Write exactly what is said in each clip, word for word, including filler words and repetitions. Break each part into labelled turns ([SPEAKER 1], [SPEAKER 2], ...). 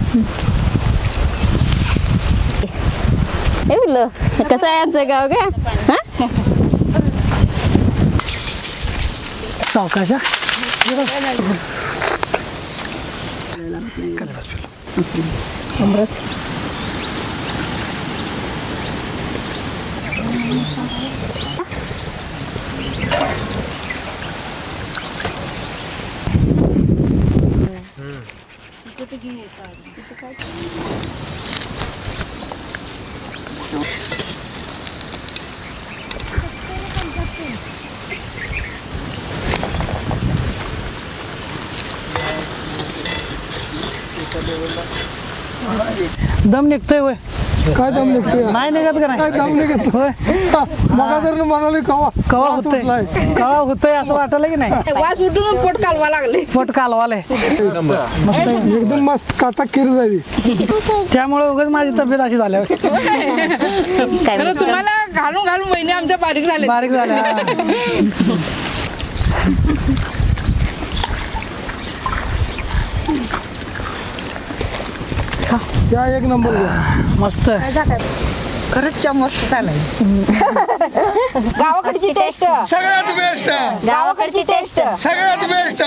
[SPEAKER 1] हे बोललो कसं आहे आमचं गाव का?
[SPEAKER 2] सावकाशा दम निघतोय वय
[SPEAKER 3] काय दम निघतोय
[SPEAKER 2] नाही निघत का
[SPEAKER 3] काय
[SPEAKER 2] नाही
[SPEAKER 3] दम निघत
[SPEAKER 2] होय
[SPEAKER 3] मगा जर म्हणाले कवा
[SPEAKER 2] कवा होतंय कवा होतंय असं वाटलं की नाही
[SPEAKER 4] वास उठून पोट कालवा लागले.
[SPEAKER 2] पोट कालवालंय
[SPEAKER 3] एकदम मस्त काटा किर जावी
[SPEAKER 2] त्यामुळे उगाच माझी तब्येत अशी झाल्या
[SPEAKER 4] खरं तुम्हाला घालून घालून महिने आमच्या बारीक झाले.
[SPEAKER 2] बारीक झाल्या
[SPEAKER 3] त्या एक नंबर
[SPEAKER 2] मस्त
[SPEAKER 4] खरंच च्या मस्त झालाय. गावाकडची टेस्ट
[SPEAKER 3] सगळ्यात बेस्ट
[SPEAKER 4] गावाकडची टेस्ट
[SPEAKER 3] सगळ्यात बेस्ट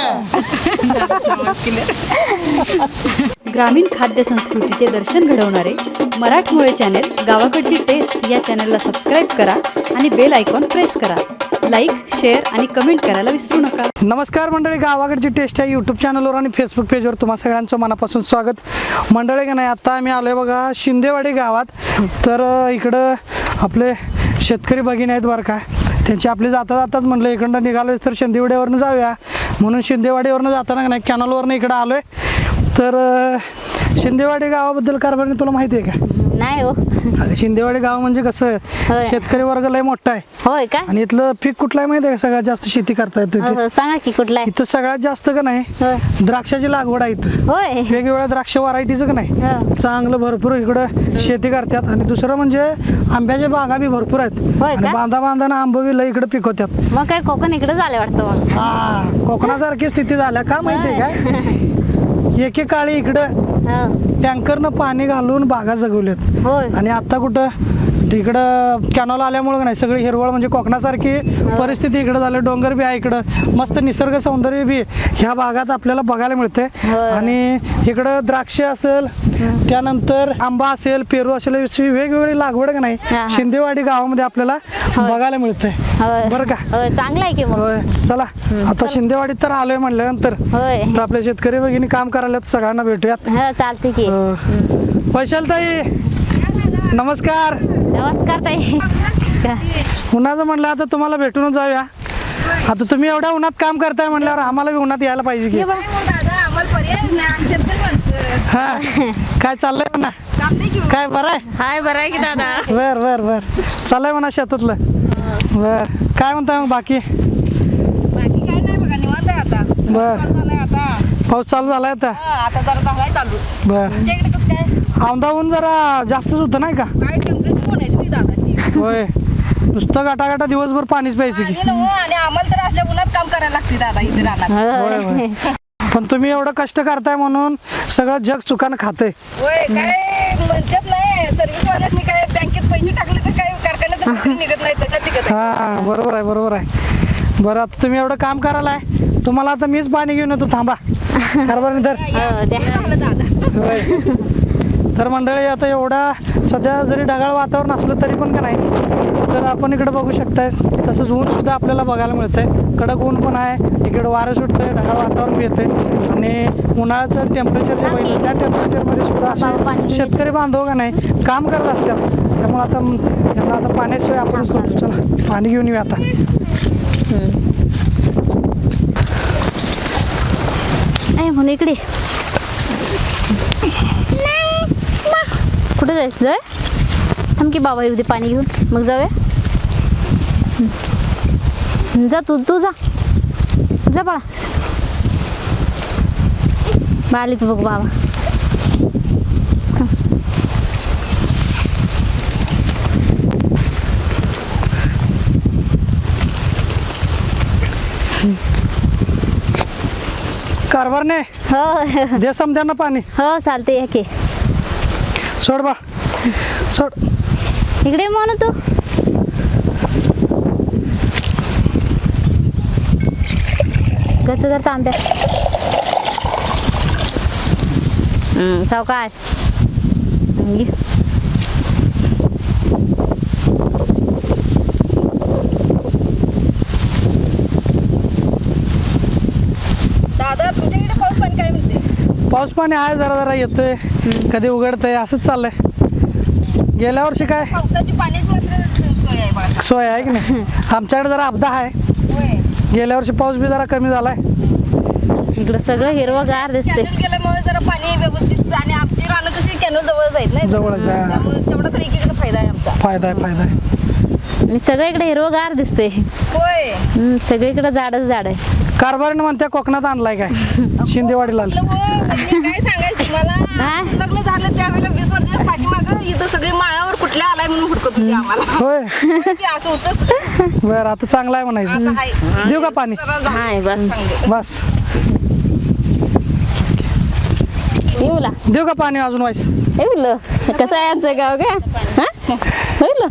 [SPEAKER 5] ग्रामीण खाद्य संस्कृतीचे दर्शन घडवणारे मराठमोळे चॅनेल गावाकडची टेस्ट या चॅनलला सबस्क्राईब करा आणि बेल आयकॉन प्रेस करा. लाईक, शेअर आणि कमेंट करायला विसरू नका.
[SPEAKER 2] नमस्कार मंडळी, गावाकडची टेस्ट या यूट्यूब चॅनलवर आणि फेसबुक पेजवर तुम्हा सगळ्यांचं मनापासून स्वागत. मंडळी का नाही आता आम्ही आलोय बघा शिंदेवाडी गावात. तर अं, इकडं आपले शेतकरी भगिनी आहेत बरं का, त्यांची आपली जाता जातात म्हणलं इकडं निघालोय तर शिंदेवाडीवरनं जाऊया म्हणून शिंदेवाडीवरनं जाताना का नाही कॅनलवरनं इकडं आलोय. तर अं, शिंदेवाडी गावाबद्दल कारभार तुला माहिती आहे का?
[SPEAKER 1] नाही हो.
[SPEAKER 2] अरे शिंदेवाडी गाव म्हणजे कसं
[SPEAKER 1] होय.
[SPEAKER 2] शेतकरी वर्ग लय मोठा आहे
[SPEAKER 1] होय का?
[SPEAKER 2] आणि इथलं पीक कुठलं आहे माहिती आहे का? सगळ्यात जास्त शेती करता येते
[SPEAKER 1] हो, हो, सांगा की कुठला आहे?
[SPEAKER 2] इथं सगळ्यात जास्त का नाही
[SPEAKER 1] होय.
[SPEAKER 2] द्राक्षाची लागवड आहे इथं.
[SPEAKER 1] होय.
[SPEAKER 2] वेगवेगळ्या द्राक्ष व्हरायटीचं का नाही
[SPEAKER 1] हो.
[SPEAKER 2] चांगलं भरपूर इकडं शेती करतात. आणि दुसरं म्हणजे आंब्याच्या बागा बी भरपूर आहेत
[SPEAKER 1] होय
[SPEAKER 2] आणि
[SPEAKER 1] का?
[SPEAKER 2] बांधा बांधाना आंब बी लय इकडे पिकवतात.
[SPEAKER 1] मग काय कोकण इकडे झाले वाटतं मग.
[SPEAKER 2] हा कोकणासारखी स्थिती झाल्या का माहितीये काय? एकेकाळी इकडं
[SPEAKER 1] हो.
[SPEAKER 2] टँकरनं पाणी घालून बागा जगवल्यात
[SPEAKER 1] होय.
[SPEAKER 2] आणि आता कुठं तिकडं कॅनॉल आल्यामुळे का नाही सगळी हिरवळ म्हणजे कोकणासारखी परिस्थिती इकडे झाली. डोंगर बी आहे इकडं, मस्त निसर्ग सौंदर्य बी ह्या भागात आपल्याला बघायला मिळते.
[SPEAKER 1] होय.
[SPEAKER 2] आणि इकडं द्राक्ष असेल, त्यानंतर आंबा असेल, पेरू असेल, अशी वेगवेगळी लागवड का नाही
[SPEAKER 1] हा, हा.
[SPEAKER 2] शिंदेवाडी गावामध्ये आपल्याला
[SPEAKER 1] होय.
[SPEAKER 2] बघायला मिळते.
[SPEAKER 1] होय.
[SPEAKER 2] बरं का?
[SPEAKER 1] होय, चांगलं आहे की मग.
[SPEAKER 2] होय चला आता शिंदेवाडीत तर आलोय म्हणल्यानंतर
[SPEAKER 1] होय.
[SPEAKER 2] तर आपल्या शेतकरी भगिनी काम करायला सगळ्यांना भेटूयात.
[SPEAKER 1] हो, चालते की.
[SPEAKER 2] वैशाल ताई नमस्कार.
[SPEAKER 1] नमस्कार ताई.
[SPEAKER 2] उन्हाचं म्हणलं आता तुम्हाला भेटूनच जाऊया. आता तुम्ही एवढ्या उन्हात काम करताय म्हणल्यावर आम्हाला बी उन्हात यायला पाहिजे की. हा काय चाललंय म्हणा? काय बरं आहे?
[SPEAKER 1] हाय, बरं आहे की दादा?
[SPEAKER 2] बर बर बर चाललंय म्हणा शेतातलं. बर काय म्हणताय मग बाकी?
[SPEAKER 4] बाकी काय नाही बघा, निवांत आहे आता.
[SPEAKER 2] बर.
[SPEAKER 4] चालू झालंय आता.
[SPEAKER 2] पाऊस चालू झालाय आता.
[SPEAKER 4] हा, आता जरा झालाय चालू.
[SPEAKER 2] बर
[SPEAKER 4] तुमच्या इकडे कसं काय?
[SPEAKER 2] औंधा ऊन जरा जास्तच होतं नाही का?
[SPEAKER 4] काय टेम्परेचर म्हणायचं मी दादा?
[SPEAKER 2] होय नुसतं गाटागाटा दिवसभर पाणीच प्यायचं की.
[SPEAKER 4] आणि नव्ह, आणि आम्हाला तर असल्या उन्हात काम करायला लागते दादा इथे राहणार.
[SPEAKER 2] होय
[SPEAKER 1] होय.
[SPEAKER 2] होय पण तुम्ही एवढं कष्ट करताय म्हणून सगळं जग चुकानं खातंय.
[SPEAKER 4] होय, काय म्हणतात नाही सर्व्हिस वाल्यासनी काय बँकेत पैसे टाकले तर काय कारखान्यात नोकरी निघत नाही त्याच्यात निघत आहे.
[SPEAKER 2] हा बरोबर आहे बरोबर आहे. बरं आता तुम्ही एवढं काम करायलाय, तुम्हाला आता मीच पाणी घेऊन येतो थांबा. कारभार तर
[SPEAKER 1] हो, द्या.
[SPEAKER 4] आपलं दादा
[SPEAKER 2] होय. तर मंडळी आता एवढा सध्या जरी ढगाळ वातावरण असलं तरी पण का नाही तर आपण इकडे बघू शकताय तसंच ऊन सुद्धा आपल्याला बघायला मिळतंय. कडक ऊन पण आहे, इकडे वारं सुटतंय, ढगाळ वातावरण बी येतंय आणि उन्हाळ्यात तर टेम्परेचर जे बघितलं त्या टेम्परेचरमध्ये सुद्धा असे शेतकरी बांधव का नाही काम करत असतात. त्यामुळे आता त्यांना आता पाण्याशिवाय आपणच करतो. चला पाणी घेऊन येऊया आता.
[SPEAKER 1] नाही म्हणून इकडे कुठे जायचं? जाय थांब की बाबा येऊ दे पाणी घेऊन मग जाऊया. जा तू तू जा जा बाळा. बा आली तू बघ बाबा.
[SPEAKER 2] कारभार नाही
[SPEAKER 1] हो
[SPEAKER 2] दे समद्यांना पाणी
[SPEAKER 1] हो चालते या की
[SPEAKER 2] सोड बा सोड
[SPEAKER 1] इकडे म्हणू तू गच जर तांब्या हम्म सावकाश घे.
[SPEAKER 4] दादा तुमच्या इकडे पाऊस पाणी काय म्हणते?
[SPEAKER 2] पाऊस पाणी आहे जरा जरा येतोय कधी उघडतंय असंच चाललंय गेल्या वर्षी काय
[SPEAKER 4] पावसाची पाण्याची मात्र सोय आहे बघा.
[SPEAKER 2] सोय आहे की नाही आमच्याकडे जरा अपदा आहे
[SPEAKER 4] होय.
[SPEAKER 2] गेल्या वर्षी पाऊस बी जरा कमी झालाय
[SPEAKER 1] इकडं सगळं हिरवंगार दिसते
[SPEAKER 4] कॅनल गेल्यामुळे जरा पाणी व्यवस्थित आणि आमची रानं कशी कॅनल जवळच आहेत नाही
[SPEAKER 2] जवळच आहे.
[SPEAKER 4] त्यामुळे तेवढा तरी एकीकडे फायदा आहे आमचा.
[SPEAKER 2] फायदा आहे फायदा आहे
[SPEAKER 1] आणि सगळीकडे हिरवंगार दिसते
[SPEAKER 4] होय.
[SPEAKER 1] हम्म, सगळीकडे झाडच झाड आहे
[SPEAKER 2] कारभारीनं म्हणते कोकणात आणलाय काय शिंदेवाडीला
[SPEAKER 4] आपलं होय, म्हणजे काय सांगायचं तुम्हाला
[SPEAKER 1] हा?
[SPEAKER 4] लग्न झालं त्यावेळेला वीस वर्षाच्या पाठीमागं इथं सगळी माळावर कुठल्या आलाय म्हणून हुडकत होती आम्हाला.
[SPEAKER 2] होय
[SPEAKER 4] होय की असं होतंच.
[SPEAKER 2] बर आता चांगला आहे म्हणायचं
[SPEAKER 4] असं आहे.
[SPEAKER 2] देऊ का पाणी
[SPEAKER 4] जरा झालं.
[SPEAKER 1] हाय बस
[SPEAKER 4] चांगलं.
[SPEAKER 2] बस
[SPEAKER 1] येऊला
[SPEAKER 2] देऊ का पाणी अजून वाईस
[SPEAKER 1] येऊलं कसं आहे आमचं गाव का हा होईल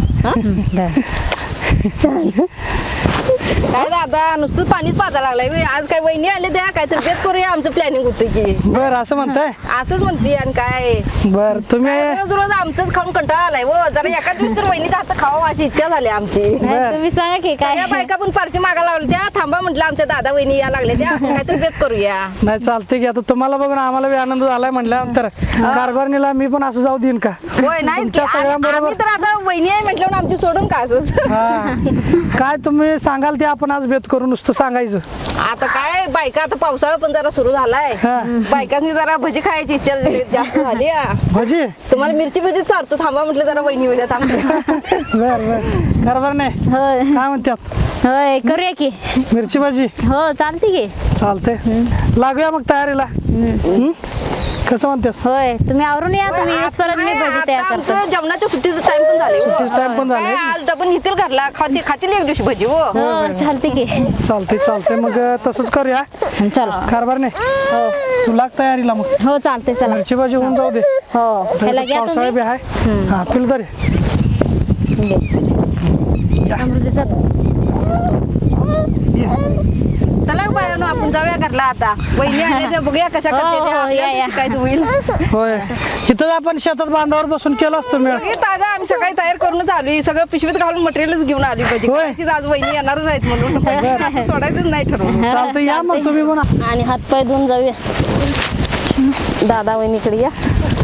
[SPEAKER 4] काय दादा नुसतं पाणीच पाजा लागलाय बे. आज काय वहिनी आले त्या काय तर बेत करूया आमचं प्लॅनिंग होतं की
[SPEAKER 2] बर असं म्हणताय
[SPEAKER 4] असंच म्हणते आणि काय
[SPEAKER 2] बर तुम्ही
[SPEAKER 4] काय रोज रोज आमचंच खाऊन कंटाळा आलाय हो जरा एका दिवस तर वहिनीचा हात खावा अशी इच्छा झाली आमची.
[SPEAKER 2] बर.
[SPEAKER 1] तुम्ही सांगा की काय
[SPEAKER 4] त्या बायका पण पार्टी मागा लावली त्या थांबा म्हटलं आमच्या दादा वहिनी या लागले त्या काय तर बेत करूया.
[SPEAKER 2] नाही चालते की आता तुम्हाला बघून आम्हाला बी आनंद झालाय म्हटल्यानंतर कारभारणीला मी पण असं जाऊ देईन का
[SPEAKER 4] होय नाही
[SPEAKER 2] तुमच्या सगळ्यांबरोबर
[SPEAKER 4] आम्ही तर आता वहिनी आहे म्हटलं म्हणून आमची सोडून का असंच.
[SPEAKER 2] हा काय तुम्ही सांगाल ते आपण आज बेत करू नुसतं सांगायचं
[SPEAKER 4] आता काय बायका आता पावसाळा पण जरा सुरू झालाय
[SPEAKER 2] हा.
[SPEAKER 4] बायकांनी जरा भजी खायची इच्छा जास्त झाली हा.
[SPEAKER 2] भजी
[SPEAKER 4] तुम्हाला मिरची भजी चालतो थांबा म्हटलं जरा वहिनी वेळात आमच्या.
[SPEAKER 2] बर बर कारभार नाही
[SPEAKER 1] होय
[SPEAKER 2] काय म्हणतात
[SPEAKER 1] होय करूया की
[SPEAKER 2] मिरची भाजी
[SPEAKER 1] हो चालते की
[SPEAKER 2] चालते लागूया मग तयारीला हं? कसं म्हणतेस
[SPEAKER 1] होय तुम्ही आवरून या तुम्ही येऊस परत मी भजी तयार
[SPEAKER 4] आता
[SPEAKER 1] करतो
[SPEAKER 4] आमचं जेवणाच्या सुट्टीचं टाइम पण झाले हो.
[SPEAKER 2] सुट्टीचं time पण झालंय.
[SPEAKER 4] काय आज डबल नेतील घरला खाती खातील एक दिवशी भजी हो.
[SPEAKER 1] हो चालते की
[SPEAKER 2] चालते चालते मग तसंच करूया
[SPEAKER 1] चल
[SPEAKER 2] कारभार नाही
[SPEAKER 1] हो
[SPEAKER 2] तू लाग तयारीला मग
[SPEAKER 1] हो चालते चला
[SPEAKER 2] मिरची भाजी होऊन जाऊ दे
[SPEAKER 1] हो ह्याला घ्या
[SPEAKER 2] पावसाळा बी
[SPEAKER 1] तुम्ही
[SPEAKER 2] आहे
[SPEAKER 1] हं.
[SPEAKER 2] हा पिल तरी या.
[SPEAKER 1] अमृतसर
[SPEAKER 4] चला बायानो आपण जाऊया घरला आता वहिनी आल्या त्या बघूया कशा
[SPEAKER 1] हो,
[SPEAKER 4] करते त्या.
[SPEAKER 1] हो, या, या.
[SPEAKER 4] आपल्याला शिकायचं होईल.
[SPEAKER 2] होय इथं आपण शेतात बांधावर बसून केलं असतो मेळ
[SPEAKER 4] सगळी ताजा आम्ही सकाळी तयार करूनच आलोय सगळं पिशवीत घालून मटेरियलच घेऊन आली भजी
[SPEAKER 2] होय.
[SPEAKER 4] करायचीच आज वहिनी येणारच आहेत म्हणून असं सोडायचंच नाही ठरवलं.
[SPEAKER 2] चालतं या मग तुम्ही पण
[SPEAKER 1] आणि हात पाय धुवून जाऊया दादा वहिनीकडे या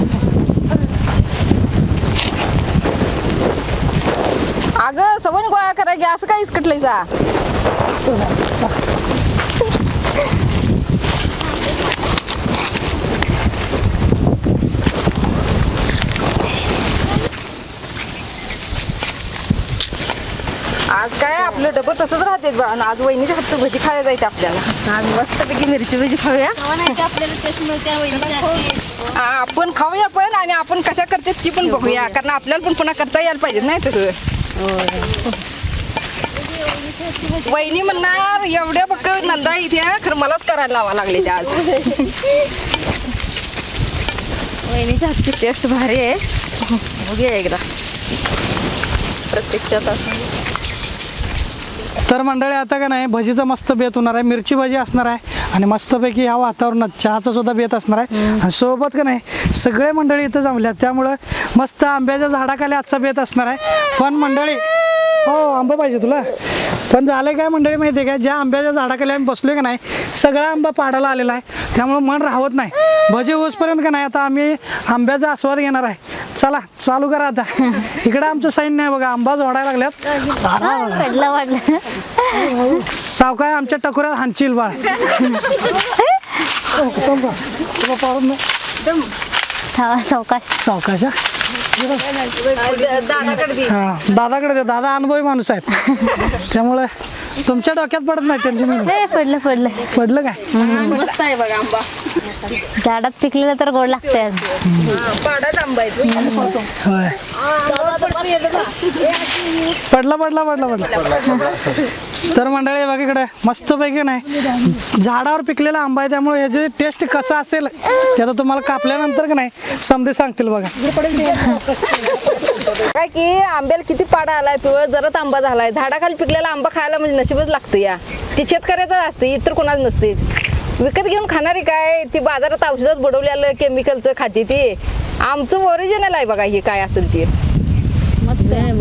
[SPEAKER 4] अगं सवय गोळा करायची असं काय इसकटलंय जा. आज काय आपलं डबं तसंच राहते बा आणि आज वहिनीच्या हातचं भजी खायला जायचं आपल्याला आज मस्तपैकी मिरची भजी खाऊया हा, आपण खाऊया पण आणि आपण कशा करते ती पण बघूया कारण आपल्याला पण पुन्हा करता यायला पाहिजे नाही तसं. वहिनी म्हणणार एवढ्या बघ नंदा इथे खरं मलाच करायला लावा लागले ते आज. वहिनीच्या हातची टेस्ट भारी आहे बघूया एकदा प्रत्यक्षात
[SPEAKER 2] तर मंडळी आता का नाही भजीचा मस्त बेत होणार आहे मिरची भाजी असणार आहे आणि मस्तपैकी ह्या वातावरणात चहाचा सुद्धा बेत असणार आहे आणि सोबत का नाही सगळे मंडळी इथं जमल्यात त्यामुळं मस्त आंब्याच्या झाडाखाली आजचा बेत असणार आहे पण मंडळी हो आंबा पाहिजे तुला पण झालंय काय मंडळी माहितीये का ज्या आंब्याच्या झाडाखाली आम्ही बसलोय का नाही सगळा आंबा पाडायला आलेला आहे त्यामुळे मन राहत नाही भजी होसपर्यंत का नाही आता आम्ही आंब्याचा आस्वाद घेणार आहे चला चालू करा आता इकडे आमचं सैन्य आहे बघा आंबा जोडायला लागल्यात
[SPEAKER 1] पडलं वाटलं
[SPEAKER 2] सावकाय आमच्या टकुऱ्यात हांचील बाळ
[SPEAKER 1] थांबा सावकाश
[SPEAKER 2] सावकाश
[SPEAKER 4] दादाकडे दे.
[SPEAKER 2] हा दादाकडे दे दादा अनुभवी माणूस आहेत त्यामुळे तुमच्या डोक्यात पडत नाही टेन्शन
[SPEAKER 1] ए, पडलं पडलं
[SPEAKER 2] पडलं काय
[SPEAKER 4] मस्त आहे बघा आंबा
[SPEAKER 1] झाडात पिकलेलं तर गोड लागतंय.
[SPEAKER 4] हा, पाडाच आंबा आहे तो.
[SPEAKER 2] होय पडला पडला पडला पडला तर मंडळी बघा इकडे मस्त पैकी नाही झाडावर पिकलेला आंबा आहे त्यामुळे ह्याची टेस्ट कसा असेल ते आता तुम्हाला कापल्यानंतर का नाही समजे सांगतील बघा.
[SPEAKER 4] काय की आंब्याला किती पाडा आलाय पिवळ जरच आंबा झालाय. झाडाखाली पिकलेला आंबा खायला म्हणजे नशीबच लागतं या. ती शेतकऱ्याचं असते इतर कोणाच नसते. विकत घेऊन खाणारी काय ती बाजारात औषधात बुडवलेलं केमिकलचं खाते ती. आमचं ओरिजिनल आहे बघा हे काय असेल ते.
[SPEAKER 1] मस्त आहे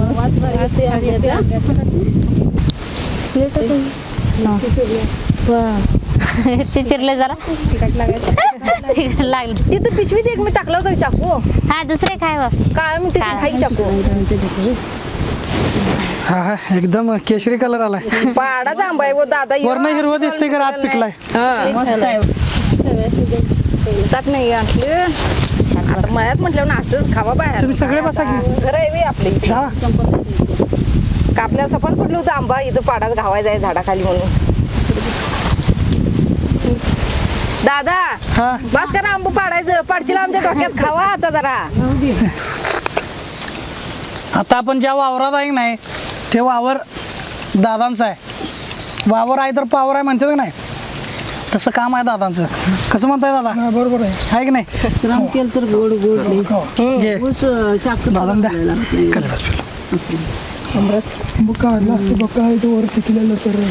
[SPEAKER 1] मिरची चिरले जरा तिखट लागलं.
[SPEAKER 4] तिथं पिशवीत एक मी टाकला होता चाकू.
[SPEAKER 1] हा दुसरे काय बघ
[SPEAKER 4] काय म्हणते खाई चाकू.
[SPEAKER 2] हा हा एकदम केशरी कलर आलाय.
[SPEAKER 4] पाडाचा आंबा आहे वो दादा.
[SPEAKER 2] वरण हिरवं दिसतंय का आत पिकलाय.
[SPEAKER 4] ताक नाही आणले आता मळ्यात म्हटलं ना असंच खावा बाहेर.
[SPEAKER 2] तुम्ही सगळे बसा की.
[SPEAKER 4] घर आहे बे आपले इथे.
[SPEAKER 2] हा
[SPEAKER 4] कापल्याला सफान पडलं होतं आंबा इथं पाडात घावायचा आहे झाडाखाली म्हणून. दादा
[SPEAKER 2] हा
[SPEAKER 4] बस करा आंबा पाडायचं पाडशील आमच्या डोक्यात खावा आता जरा.
[SPEAKER 2] आता आपण ज्या वावरात आहे की नाही ते वावर दादांचं आहे. वावर आहे तर पावर आहे म्हणते का नाही तसं काम आहे दादांचं. कसं म्हणताय दादा बरोबर आहे आहे की नाही.
[SPEAKER 6] राम केलं तर गोड गोड
[SPEAKER 2] घे. दादा द्या कलरच
[SPEAKER 3] मग काढला असतं बघ काय तो वर पिकलेलं तर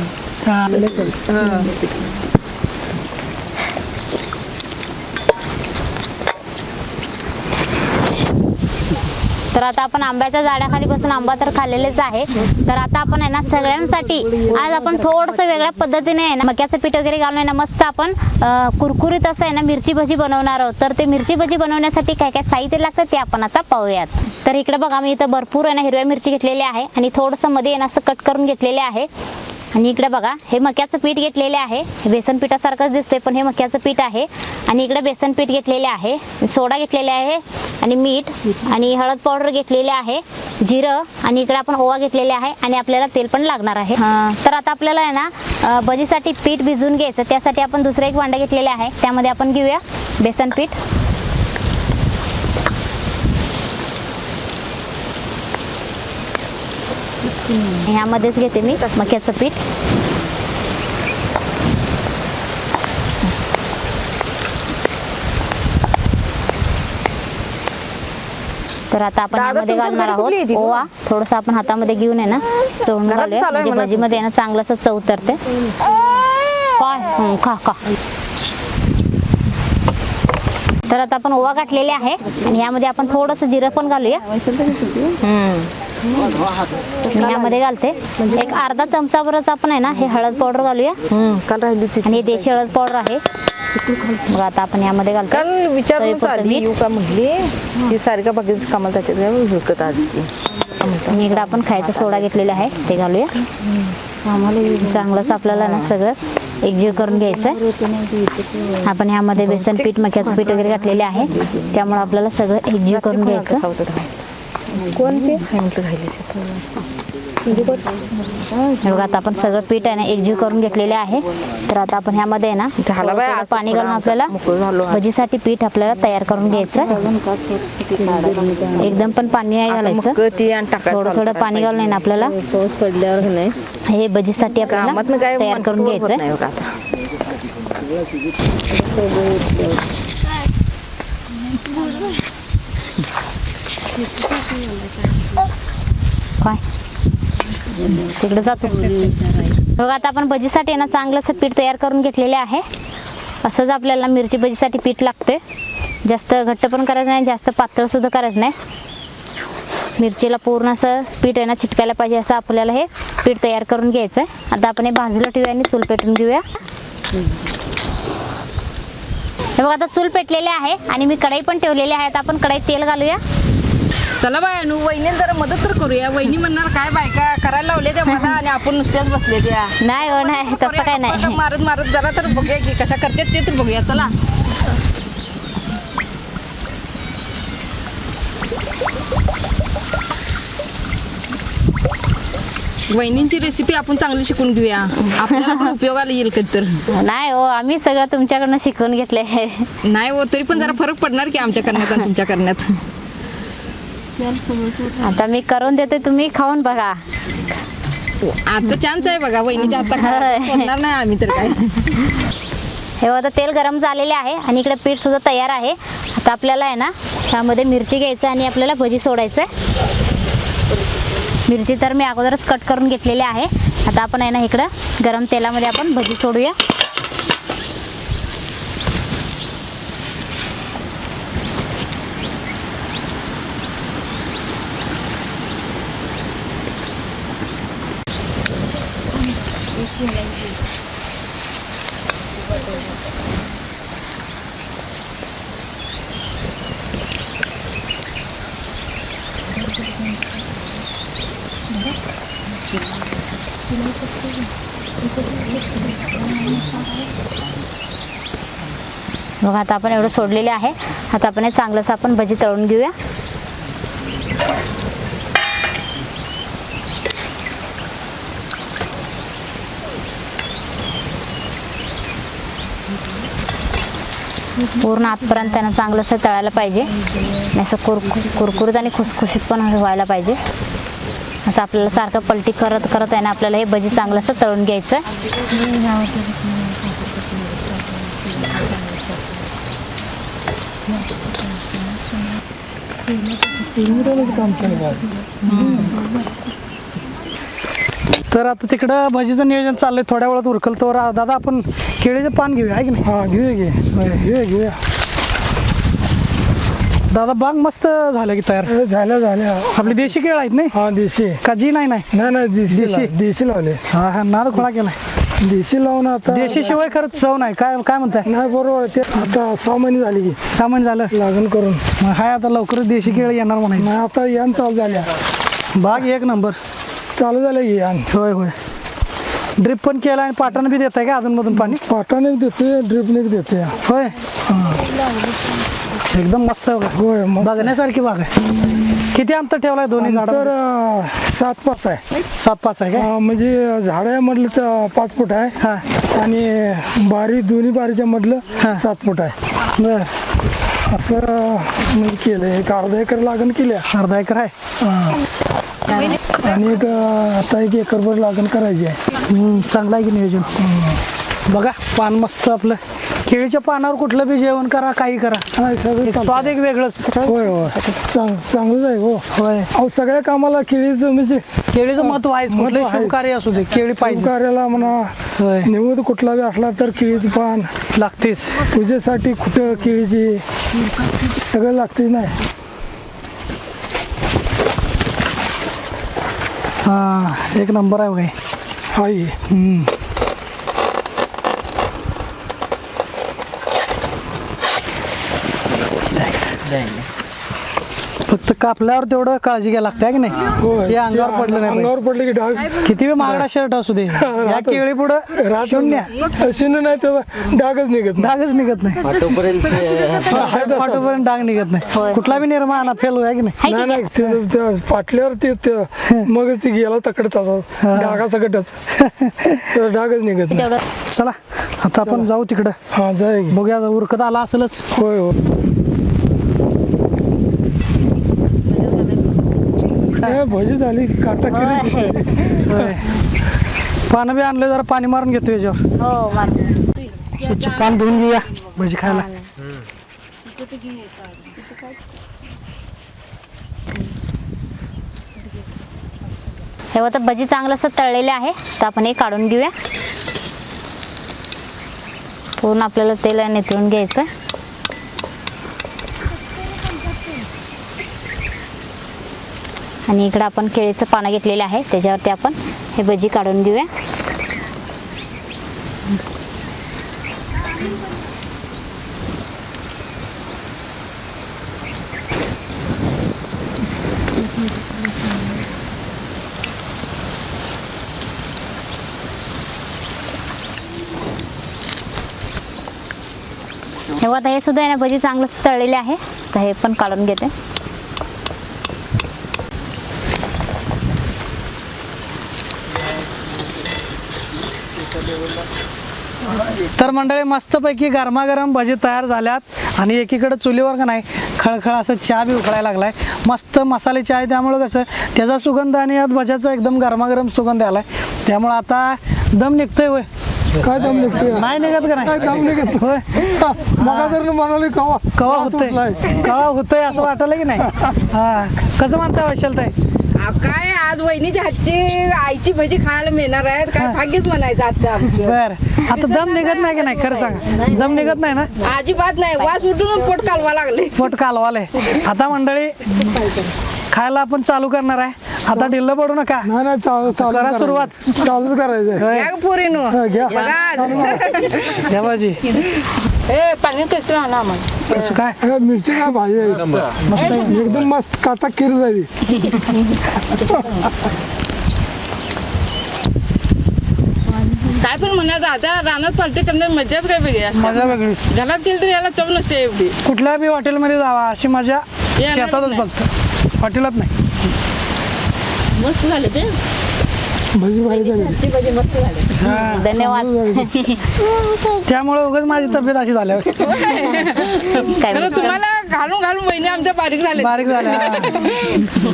[SPEAKER 1] तर आता आपण आंब्याच्या झाडाखाली बसून आंबा तर खाल्लेलेच आहे. तर आता आपण आहे ना सगळ्यांसाठी आज आपण थोडस वेगळ्या पद्धतीने आहे ना मक्याचं पीठ वगैरे घालून आहे ना मस्त आपण अं, कुरकुरीत असं आहे ना मिरची भजी बनवणार आहोत. तर ते मिरची भजी बनवण्यासाठी काय काय साहित्य लागतं ते आपण आता पाहूयात. तर इकडे बघा मी इथं भरपूर आहे ना हिरव्या मिरची घेतलेली आहे आणि थोडंसं मध्ये आहे ना असं कट करून घेतलेले आहे. आणि इकडे बघा हे मक्याचं पीठ घेतलेले आहे. बेसन पिठासारखंच दिसतंय पण हे मक्याचं पीठ आहे. आणि इकडे बेसन पीठ घेतलेले आहे, सोडा घेतलेले आहे आणि मीठ आणि हळद पावडर घेतलेले आहे, जिरं आणि इकडे आपण ओवा घेतलेले आहे आणि आपल्याला तेल पण लागणार आहे. तर आता आपल्याला आहे ना भजीसाठी पीठ भिजवून घ्यायचं. त्यासाठी आपण दुसरं एक भांडं घेतलेलं आहे त्यामध्ये आपण घेऊया बेसन पीठ. ह्यामध्येच घेते मी मक्याचं पीठ. तर आता आपण
[SPEAKER 4] दादा,
[SPEAKER 1] ह्यामध्ये
[SPEAKER 4] तुमच्या
[SPEAKER 1] घालणार
[SPEAKER 4] घरी
[SPEAKER 1] आहोत
[SPEAKER 4] कुठली आहे ती?
[SPEAKER 1] ओवा. थोडंसं आपण हातामध्ये घेऊन आहे ना चवून
[SPEAKER 4] घरात
[SPEAKER 1] घालूया
[SPEAKER 4] चालू आहे
[SPEAKER 1] म्हणजे
[SPEAKER 4] म्हणा
[SPEAKER 1] भजीमध्ये आहे ना चांगलं असं चव उतरते. काय हं, खा खा. तर आता आपण ओवा घातलेले आहे आणि यामध्ये आपण थोडंसं जिरं पण घालूया. मी यामध्ये घालते एक अर्धा चमचाभरच आपण आहे ना हे हळद पावडर घालूया.
[SPEAKER 4] काल राहिली होती
[SPEAKER 1] आणि हे देशी हळद पावडर आहे. बघा आता आपण यामध्ये घालतो.
[SPEAKER 4] काल विचारून
[SPEAKER 1] चवीपुरतं
[SPEAKER 4] आली
[SPEAKER 1] मीठ.
[SPEAKER 4] येऊ का म्हटली ती सारिका बाकीचं कामाला जाते काय झुकत आधी ती.
[SPEAKER 1] आणि इकडे आपण खायचा सोडा घेतलेला आहे ते घालूया. चांगलंच आपल्याला ना सगळं एकजीव करून घ्यायचं. आपण ह्यामध्ये बेसन पीठ मक्याचं पीठ वगैरे घातलेले आहे त्यामुळे आपल्याला सगळं एकजीव करून घ्यायचं.
[SPEAKER 4] कोण ते म्हटलं राहिले
[SPEAKER 1] बघा आता आपण सगळं पीठ आहे ना एकजीव करून घेतलेले आहे. तर आता आपण ह्यामध्ये आहे ना
[SPEAKER 4] झाला बाय,
[SPEAKER 1] थोडं
[SPEAKER 4] आज
[SPEAKER 1] पाणी घालून आपल्याला
[SPEAKER 4] मोकळं झालो आज.
[SPEAKER 1] भजीसाठी पीठ आपल्याला तयार करून घ्यायचं. एकदम पण पाणी नाही घालायचं,
[SPEAKER 4] मग ती आणि टाकायचं
[SPEAKER 1] थोडं थोडं पाणी घालून आहे ना आपल्याला
[SPEAKER 6] पाऊस पडल्यावर का नाही
[SPEAKER 1] हे भजीसाठी
[SPEAKER 4] कामात
[SPEAKER 1] आपल्याला
[SPEAKER 4] काय
[SPEAKER 1] तयार करून
[SPEAKER 4] होत
[SPEAKER 1] घ्यायचं.
[SPEAKER 4] नाही बघा आता.
[SPEAKER 1] काय तिकडे जातो बघा. आता आपण भजीसाठी आहे ना चांगलं असं पीठ तयार करून घेतलेले आहे. असंच आपल्याला मिरची भजीसाठी पीठ लागते. जास्त घट्ट पण करायचं नाही, जास्त पातळ सुद्धा करायचं नाही. मिरचीला पूर्ण असं पीठ आहे ना चिटकायला पाहिजे असं आपल्याला हे पीठ तयार करून घ्यायचं. आता आपण हे बाजूला ठेवूया आणि चूल पेटून घेऊया. हे बघा आता चूल पेटलेले आहे आणि मी कढई पण ठेवलेली आहे. आता आपण कढईत तेल घालूया.
[SPEAKER 4] चला बाय अनु वहिनी जरा मदत तर करूया. वहिनी म्हणणार काय बायका करायला लावले त्या मला आणि आपण नुसत्याच बसले त्या.
[SPEAKER 1] नाही हो नाही तसं काय नाही.
[SPEAKER 4] मारत मारत जरा तर बघूया की कशा करतात ते तर बघूया. चला वहिनींची रेसिपी आपण चांगली शिकून घेऊया, आपल्याला पण उपयोगाला येईल कधी तर.
[SPEAKER 1] नाही हो, आम्ही सगळं तुमच्याकडनं शिकून घेतले.
[SPEAKER 4] नाही हो, तरी पण जरा फरक पडणार की आमच्या करण्यात आणि तुमच्या करण्यात.
[SPEAKER 1] आता मी करून देते, तुम्ही खाऊन बघा.
[SPEAKER 4] आता चान्स आहे बघा, वहिनीच्या हातात पडणार नाही आम्ही तर काय.
[SPEAKER 1] हे आता तेल गरम झालेले आहे आणि इकडे पीठ सुद्धा तयार आहे. आता आपल्याला आहे ना त्यामध्ये मिरची घ्यायचं आणि आपल्याला भजी सोडायचं. मिरची तर मी अगोदरच कट करून घेतलेली आहे. आता आपण आहे ना इकडं गरम तेलामध्ये आपण भजी सोडूया. बघा आता आपण एवढं सोडलेले आहे. आता आपण हे चांगलंसं आपण भजी तळून घेऊया. पूर्ण आतपर्यंत त्यांना चांगलंसं तळायला पाहिजे, असं कुर कुरकुरीत आणि खुसखुशीत पण व्हायला पाहिजे. असं आपल्याला सारखं पलटी करत करत आहे ना आपल्याला हे भजी चांगलंसं तळून घ्यायचं.
[SPEAKER 2] तर आता तिकडं भजीचं नियोजन चाललंय, थोड्या वेळात उरकल. तर दादा आपण केळीचं पान घेऊया आहे की नाही?
[SPEAKER 3] हा घेऊया घे घेऊया घेऊया
[SPEAKER 2] दादा बाग मस्त झालं की तयार.
[SPEAKER 3] ए, झाल्या झाल्या
[SPEAKER 2] आपली देशी केळ आहेत नाही
[SPEAKER 3] हा देशी
[SPEAKER 2] का? जी नाही नाही
[SPEAKER 3] नाही नाही देशी
[SPEAKER 2] देशी?
[SPEAKER 3] ला- देशी लावले
[SPEAKER 2] हा हा नाद खोळा केलाय.
[SPEAKER 3] देशी लावून आता
[SPEAKER 2] देशी शिवाय खरंच चव नाही. काय काय म्हणताय?
[SPEAKER 3] नाही बरोबर आहे. ते आता सहा महिने झाली की
[SPEAKER 2] सामान झालं
[SPEAKER 3] लागण करून.
[SPEAKER 2] मग हाय आता लवकरच देशी केळ येणार म्हणायचं.
[SPEAKER 3] नाही आता यान चालू झाल्या
[SPEAKER 2] बाग एक नंबर
[SPEAKER 3] चालू झालं की यान.
[SPEAKER 2] होय होय. ड्रिप पण केला आणि पाटानं बी देताय का अजून मधून पाणी?
[SPEAKER 3] पाटाने बी देतोय ड्रिपने बी देतोय.
[SPEAKER 2] होय
[SPEAKER 3] हा.
[SPEAKER 2] एकदम मस्त आहे बघा.
[SPEAKER 3] होय मग
[SPEAKER 2] बघण्यासारखी बाग आहे. किती अंतर ठेवलाय दोन्ही
[SPEAKER 3] तर
[SPEAKER 2] झाड?
[SPEAKER 3] सात पाच आहे.
[SPEAKER 2] सात पाच आहे काय?
[SPEAKER 3] हा, म्हणजे झाड म्हटलं तर पाच फूट आहे
[SPEAKER 2] हा
[SPEAKER 3] आणि बारी दोन्ही बारीच्या
[SPEAKER 2] हा.
[SPEAKER 3] मधलं सात फूट आहे.
[SPEAKER 2] बर.
[SPEAKER 3] असं म्हणजे केलंय. एक अर्धा एकर लागण केल्या.
[SPEAKER 2] अर्धा एकर आहे.
[SPEAKER 3] हा. आणि एक आता एक एकरभर लागण करायची आहे.
[SPEAKER 2] हम्म, चांगलं आहे की नियोजन. बघा पान मस्त आपलं. केळीच्या पानावर कुठलं बी जेवण करा, काही करा,
[SPEAKER 3] हा, सगळं
[SPEAKER 2] एक
[SPEAKER 3] चालतंय.
[SPEAKER 2] स्वाद एक वेगळंच.
[SPEAKER 3] होय होय चांग चांगलंच आहे हो.
[SPEAKER 2] होय.
[SPEAKER 3] अहो सगळ्या कामाला केळीचं म्हणजे
[SPEAKER 2] केळीचं महत्व आहे.
[SPEAKER 3] महत्त्व
[SPEAKER 2] कुठलंही
[SPEAKER 3] आहे.
[SPEAKER 2] शुभ कार्य असू दे केळी पाहिजे.
[SPEAKER 3] कार्याला म्हणा
[SPEAKER 2] होय
[SPEAKER 3] निवड कुठला बी असला तर केळीचं पान
[SPEAKER 2] लागतेच.
[SPEAKER 3] पूजेसाठी कुठं केळीची सगळं लागतेच नाही.
[SPEAKER 2] हा एक नंबर आहे बघा हे.
[SPEAKER 3] हाय
[SPEAKER 2] हम्म. फक्त कापल्यावर तेवढं काळजी घ्यायला लागते की नाही?
[SPEAKER 3] होय
[SPEAKER 2] हे अंगावर पडलं नाही
[SPEAKER 3] अंगावर पडलं की डाग
[SPEAKER 2] पाहिजे. किती बी महागडा शर्ट असू दे या केळी पुढं शून्य
[SPEAKER 3] शून्य नाही त्याचा डागच निघत नाही.
[SPEAKER 2] डागच निघत नाही. पाठोपर्यंत डाग निघत नाही. कुठला बी निर्माण फेल आहे की नाही?
[SPEAKER 3] नाही नाही ते- ते पाटल्यावर ते ते- मगच ती गेला तकडे तसा डागा सकटच त्याचा डागच निघत नाही.
[SPEAKER 1] तेवढं
[SPEAKER 2] चला आता आपण जाऊ तिकडं.
[SPEAKER 3] हा जाय की.
[SPEAKER 2] बघूया उरकत आला असेलच.
[SPEAKER 3] होय होय ए, भजी झाली काटा केली.
[SPEAKER 2] होय. पानं बी आणलं जरा पाणी मारून घेतो याच्यावर.
[SPEAKER 1] हो मार.
[SPEAKER 2] स्वच्छ पान धुवून घेऊया भजी खायला.
[SPEAKER 1] हे आता भजी चांगलं असं तळलेले आहे. तर आपण हे काढून घेऊया. पूर्ण आपल्याला तेल नितळून घ्यायचं. आणि इकडे आपण केळीचं पानं घेतलेलं आहे त्याच्यावरती आपण हे भजी काढून घेऊया. हे आता हे सुद्धा आहे ना भजी चांगलं तळलेले आहे. तर हे पण काढून घेते.
[SPEAKER 2] तर मंडळी मस्तपैकी गरमागरम भजी तयार झाल्यात आणि एकीकडे चुलीवर का नाही खळखळ असं चहा बी उकळायला लागलाय. मस्त मसाले चहा आहे, त्यामुळे कसं त्याचा सुगंध आणि यात भज्याचा एकदम गरमागरम सुगंध आलाय. त्यामुळे आता दम निघतोय होय.
[SPEAKER 3] काय दम निघतोय
[SPEAKER 2] नाही निघत का
[SPEAKER 3] काय
[SPEAKER 2] नाही
[SPEAKER 3] दम निघत
[SPEAKER 2] होय.
[SPEAKER 3] मगा जर म्हणाले कवा
[SPEAKER 2] कवा
[SPEAKER 3] वास
[SPEAKER 2] होतंय
[SPEAKER 3] उठलाय.
[SPEAKER 2] कवा होतंय असं वाटलं की नाही. हा कसं म्हणताय वैशालताई?
[SPEAKER 4] अहो, काय आज वहिनीच्या हातची आईची भजी खायला मिळणार आहेत काय भाग्यच म्हणायचं आजचं आमचं.
[SPEAKER 2] बर आता दम निघत नाही की नाही खरं सांगा. दम निघत नाही ना.
[SPEAKER 4] अजिबात नाही वास उठून पोट कालवा लागले.
[SPEAKER 2] पोट कालवाले. आता मंडळी खायला आपण चालू करणार आहे. आता ढिल्ल पडू नका.
[SPEAKER 3] नाही नाही चालू चालू
[SPEAKER 2] करा
[SPEAKER 3] करायचं.
[SPEAKER 2] सुरुवात.
[SPEAKER 3] चालूच करायचंय
[SPEAKER 2] होय.
[SPEAKER 4] या पोरीनो
[SPEAKER 3] हा, घ्या.
[SPEAKER 2] घ्या भाजी.
[SPEAKER 4] ए पाणी कसं आणा आम्हाला.
[SPEAKER 2] कसं काय
[SPEAKER 3] अरे, मिरची काय भाजी आहे. एकदम मस्त काटा खीर झाली.
[SPEAKER 4] काय पण म्हणायचं आता रानात पार्टी करण्यात मजाच काय वेगळी असते.
[SPEAKER 2] मजा वेगळीच.
[SPEAKER 4] घरात केली तर याला चव नसते एवढी.
[SPEAKER 2] कुठल्या बी हॉटेलमध्ये जावा अशी मजा
[SPEAKER 4] येणारच
[SPEAKER 2] शेतातच
[SPEAKER 4] नाही.
[SPEAKER 2] फक्त हॉटेलात नाही.
[SPEAKER 4] मस्त झाले ते
[SPEAKER 3] भजी भाजी झाली.
[SPEAKER 4] भजी मस्त झाले.
[SPEAKER 2] हा.
[SPEAKER 1] धन्यवाद.
[SPEAKER 2] त्यामुळे उगाच माझी तब्येत अशी झाल्या
[SPEAKER 1] काय
[SPEAKER 4] खरं तुम्हाला घालून घालून बहिणी आमच्या बारीक झाले.
[SPEAKER 2] बारीक झाल्या.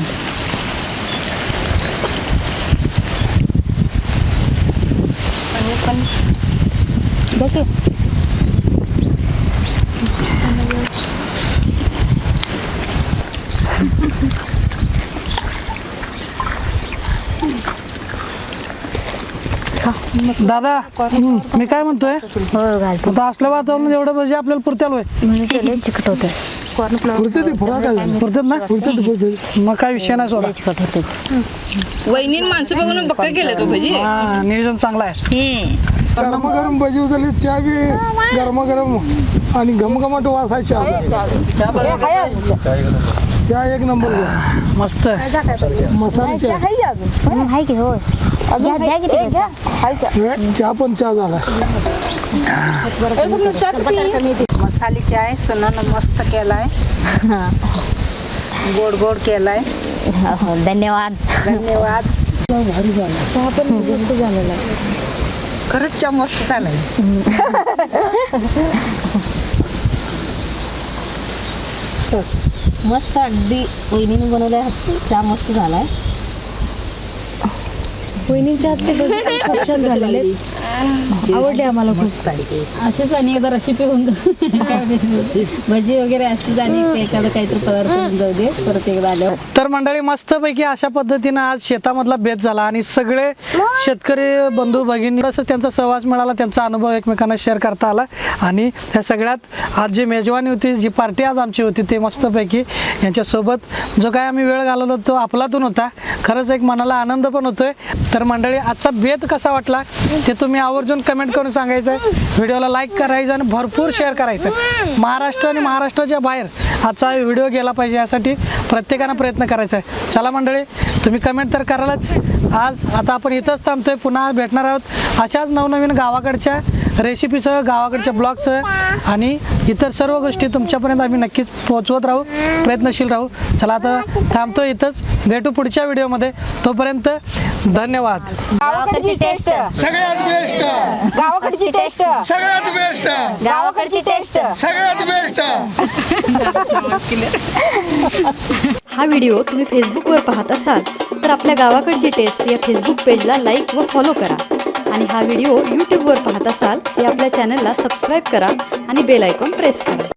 [SPEAKER 2] दादा हम्म, मी काय म्हणतोय
[SPEAKER 1] हो घालतो
[SPEAKER 2] आता असल्या वातावरण एवढं भजी आपल्याला पुरत्याल होय.
[SPEAKER 1] म्हणून केले चिकट होते.
[SPEAKER 3] पुरते ते फुरा काय झालं
[SPEAKER 2] पुरतात ना.
[SPEAKER 3] पुरते ते पुरते.
[SPEAKER 2] मग काय विषय नाही सोडा.
[SPEAKER 1] चिकट होते.
[SPEAKER 4] वहिनी माणसं बघून बक्का केले तो भजी.
[SPEAKER 2] हा नियोजन चांगलं आहे.
[SPEAKER 3] गरमागरम भजी उचलली चहा बी गरमागरम आणि घमघमाट वास आहे चहा. चहा एक नंबर घ्या.
[SPEAKER 2] मस्त
[SPEAKER 3] मसाला चहा
[SPEAKER 1] हम्म, हाय की होय. घ्या घ्या की ते घ्या.
[SPEAKER 3] हे, चहा पण चहा झाला.
[SPEAKER 7] मसाले चाय सुनानं मस्त केलाय, गोड गोड केलाय.
[SPEAKER 1] हो, हो, धन्यवाद.
[SPEAKER 7] धन्यवाद.
[SPEAKER 3] भारी झाला.
[SPEAKER 7] चहा पण मस्त झालेला. खरंच चहा मस्त झालाय.
[SPEAKER 1] मस्त अगदी वहिनीने बनवलाय चहा मस्त झालाय. वहिनीच्या हातचे भजी खूप छान झालेले आवडले आम्हाला खूप. असेच आणि एकदा रेसिपी होऊन भजी वगैरे असेच आणि एखादं काहीतरी पदार्थ होऊन जाऊ दे परत एकदा आल्यावर.
[SPEAKER 2] तर मंडळी मस्तपैकी अशा पद्धतीनं आज शेतामधला बेत झाला आणि सगळे शेतकरी बंधू भगिनी तसंच त्यांचा सहवास मिळाला, त्यांचा अनुभव एकमेकांना शेअर करता आला आणि त्या सगळ्यात आज जी मेजवानी होती, जी पार्टी आज आमची होती ते मस्तपैकी यांच्यासोबत जो काय आम्ही वेळ घालवला तो आपलातून होता. खरंच एक मनाला आनंद पण होतोय. तर मंडळी आजचा बेत कसा वाटला ते तुम्ही आवर्जून कमेंट करून सांगायचं. व्हिडिओला लाईक करायचं आणि भरपूर शेअर करायचं. महाराष्ट्र आणि महाराष्ट्राच्या बाहेर आजचा व्हिडिओ गेला पाहिजे यासाठी प्रत्येकानं प्रयत्न करायचा आहे. चला मंडळी तुम्ही कमेंट तर करालच. आज आता आपण इथंच थांबतोय. पुन्हा भेटणार आहोत अशाच नवनवीन गावाकडच्या रेसिपीसह, गावाकडच्या ब्लॉगसह आणि इतर सर्व गोष्टी तुमच्यापर्यंत आम्ही नक्कीच पोहोचवत राहू, प्रयत्नशील राहू. चला आता थांबतो इथंच. भेटू पुढच्या व्हिडिओमध्ये. तोपर्यंत धन्यवाद.
[SPEAKER 4] गावाकडची टेस्ट
[SPEAKER 3] सगळ्यात बेस्ट.
[SPEAKER 4] गावाकडची टेस्ट
[SPEAKER 3] सगळ्यात बेस्ट.
[SPEAKER 4] गावाकडची टेस्ट
[SPEAKER 3] सगळ्यात बेस्ट.
[SPEAKER 5] हा व्हिडिओ तुम्ही फेसबुकवर पाहत असाल तर आपल्या गावाकडची टेस्ट या फेसबुक पेजला लाईक व फॉलो करा आणि हा व्हिडिओ यूट्यूबवर पाहत असाल तर आपल्या चॅनलला सबस्क्राईब करा आणि बेल आयकॉन प्रेस करा.